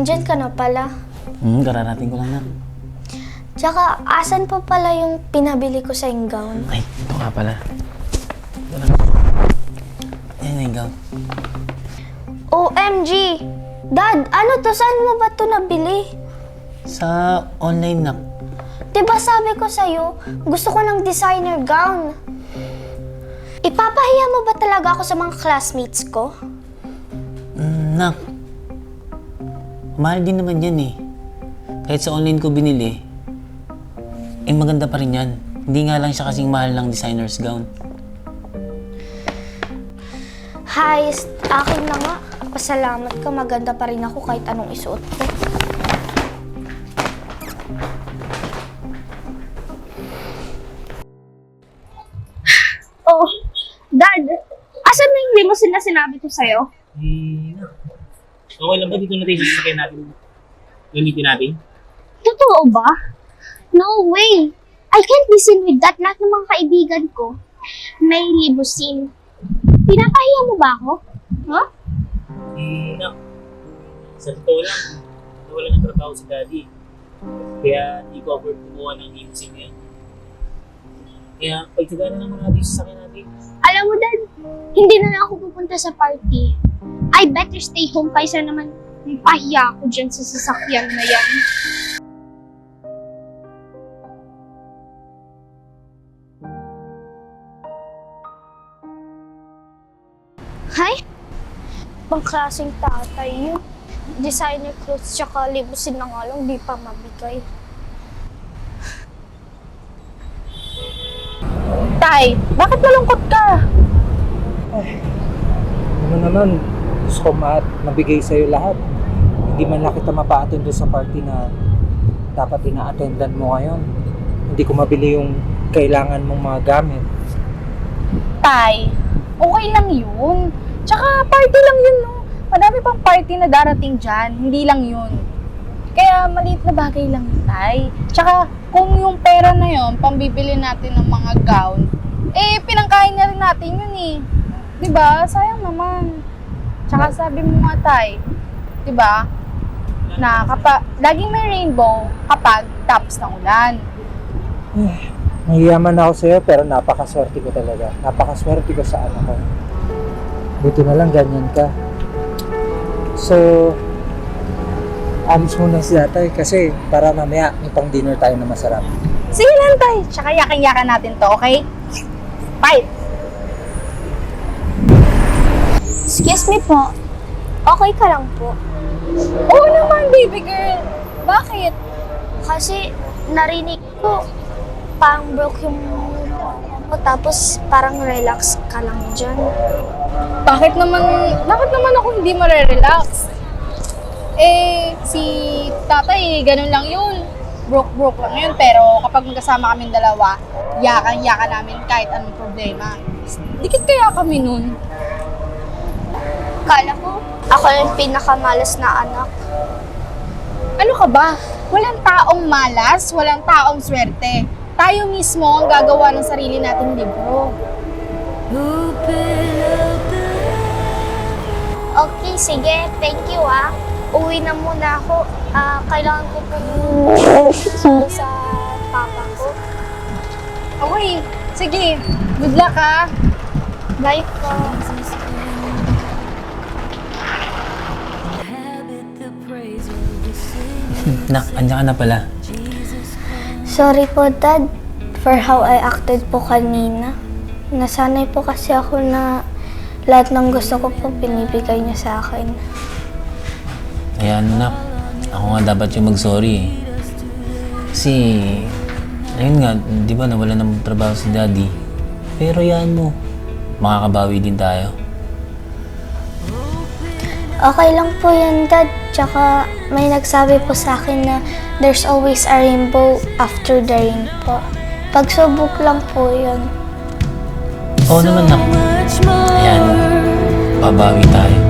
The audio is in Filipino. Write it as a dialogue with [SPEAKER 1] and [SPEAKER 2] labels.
[SPEAKER 1] Nandyan ka na pala.
[SPEAKER 2] Kararating ko lang na.
[SPEAKER 1] Tsaka, asan pa pala yung pinabili ko sa yung gown?
[SPEAKER 2] Ay, ito ka pala. Ito lang. Ayan na yung gown.
[SPEAKER 1] OMG! Dad, ano to? Saan mo ba to nabili?
[SPEAKER 2] Sa online na.
[SPEAKER 1] Diba sabi ko sa'yo, gusto ko ng designer gown. Ipapahiya mo ba talaga ako sa mga classmates ko?
[SPEAKER 2] Nak. Mahal din naman yan eh. Kahit sa online ko binili, maganda pa rin yan. Hindi nga lang siya kasing mahal ng designer's gown.
[SPEAKER 1] Hayes, akin na nga. Pasalamat ka, maganda pa rin ako kahit anong isuot ko.
[SPEAKER 3] Oh, Dad, asan na yung limousine na sinabi ko sa'yo?
[SPEAKER 2] Okay lang ba dito natin sasakyan natin? Gamitin natin?
[SPEAKER 3] Totoo ba? No way! I can't be seen with that. Lahat ng mga kaibigan ko may limousine. Pinapahiya mo ba ako? Huh?
[SPEAKER 2] No. Sa totoo lang, nawala ng trabaho si Daddy. Kaya hindi ko afford kumuha ng limousine ngayon. Kaya pagtsagaan na naman natin yung sasakyan natin.
[SPEAKER 3] Alam mo, Dad, hindi na lang ako pupunta sa party. I better stay home kaysa naman pahiya ako dyan sa sasakyan na yan.
[SPEAKER 1] Hay? Pangklaseng tatay yun. Designer clothes tsaka limousine na nga lang, di pa mabigay.
[SPEAKER 4] Tay, bakit malungkot ka?
[SPEAKER 5] Ano naman, gusto ko mabigay sa'yo lahat. Hindi man lang kita mapa-attend doon sa party na dapat ina-attendan mo ngayon. Hindi ko mabili yung kailangan mong mga gamit.
[SPEAKER 4] Tay, okay lang yun. Tsaka party lang yun, no? Madami pang party na darating dyan, hindi lang yun. Kaya maliit na bagay lang yun, Tay. Tsaka kung yung pera na yun, pambibili natin ng mga gown, pinangkain na rin natin yun eh. Diba? Sayang naman. Tsaka sabi mo nga, Tay, diba? Na laging may rainbow kapag tapos ng ulan.
[SPEAKER 5] Nahiyaman ako sa'yo pero napakaswerte ko talaga. Napakaswerte ko sa anak ko. Buti na lang ganyan ka. So, alis muna si tatay kasi para mamaya may pang dinner tayo na masarap.
[SPEAKER 4] Sige lang, Tay. Tsaka yakin-yakan natin to, okay? Fight!
[SPEAKER 1] Excuse me po. Okay ka lang po?
[SPEAKER 4] Oo naman, baby girl. Bakit?
[SPEAKER 1] Kasi narinig ko parang broke yung mo tapos parang relax ka lang dyan.
[SPEAKER 4] Bakit naman ako hindi marerelax? Si tatay, ganun lang yun. Broke lang yun, pero kapag magkasama kaming dalawa, yakan namin kahit anong problema. Dikit kaya kami nun.
[SPEAKER 1] Kala ko, ako yung pinakamalas na anak.
[SPEAKER 4] Ano ka ba? Walang taong malas, walang taong swerte. Tayo mismo ang gagawa ng sarili nating libro.
[SPEAKER 1] Okay, sige. Thank you Uwi na muna ako. Kailangan ko po sa papa ko.
[SPEAKER 4] Okay, sige. Good luck ha.
[SPEAKER 1] Bye po.
[SPEAKER 2] Nak, andyan ka na pala.
[SPEAKER 1] Sorry po, Dad, for how I acted po kanina. Nasanay po kasi ako na lahat ng gusto ko po binibigay niya sa akin.
[SPEAKER 2] Ayan, Nak. Ako nga dapat yung mag-sorry eh. Kasi, ayun nga, di ba nawala ng trabaho si Daddy. Pero yan mo, makakabawi din tayo.
[SPEAKER 1] Okay lang po yan, Dad. Tsaka may nagsabi po sa akin na there's always a rainbow after the rain po. Pagsubok lang po yun.
[SPEAKER 2] Oo naman, Nak. Ayan, babawi tayo.